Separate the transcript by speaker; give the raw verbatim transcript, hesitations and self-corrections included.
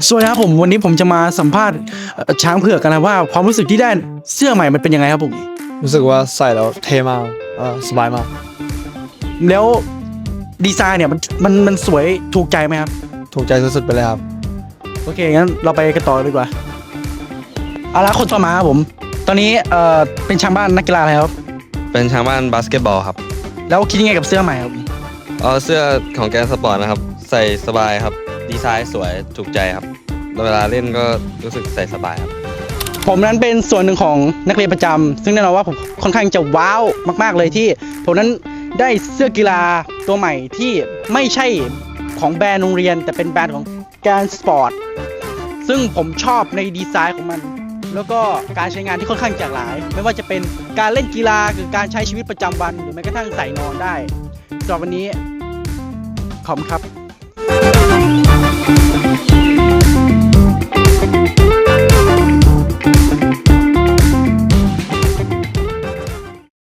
Speaker 1: สวัสดีครับผมวันนี้ผมจะมาสัมภาษณ์เอ่อช้างเผือกกันนะว่าความรู้สึกที่ได้เสื้อใหม่มันเป็นยังไงครับผม
Speaker 2: รู้สึกว่าใส่แล้วเท่มากเออสบายมาก
Speaker 1: แล้วดีไซน์เนี่ยมันมันมันสวยถูกใจไหมครับ
Speaker 2: ถูกใจสุดๆไปเลยครับ
Speaker 1: โอเคงั้นเราไปกันต่อดีกว่าเอาละคนต่อมาครับผมตอนนี้เอ่อเป็นช้างบ้านนักกีฬาอะไรครับ
Speaker 3: เป็นช้างบ้านบาสเกตบอลครับ
Speaker 1: แล้วคิดยังไงกับเสื้อใหม่ครับ
Speaker 3: เอาเสื้อของแกนสปอร์ตนะครับ ใส่สบายครับ ดีไซน์สวยถูกใจครับเวลาเล่นก็รู้สึกใส่สบายครับ
Speaker 1: ผมนั้นเป็นส่วนหนึ่งของนักเรียนประจำซึ่งแน่นอนว่าผมค่อนข้างจะว้าวมากๆเลยที่ผมนั้นได้เสื้อกีฬาตัวใหม่ที่ไม่ใช่ของแบรนด์โรงเรียนแต่เป็นแบรนด์ของแกนสปอร์ตซึ่งผมชอบในดีไซน์ของมันแล้วก็การใช้งานที่ค่อนข้างหลากหลาย ไม่ว่าจะเป็นการเล่นกีฬาหรือการใช้ชีวิตประจำวันหรือแม้กระทั่งใส่นอนได้สำหรับวันนี้ขอบคุณครับ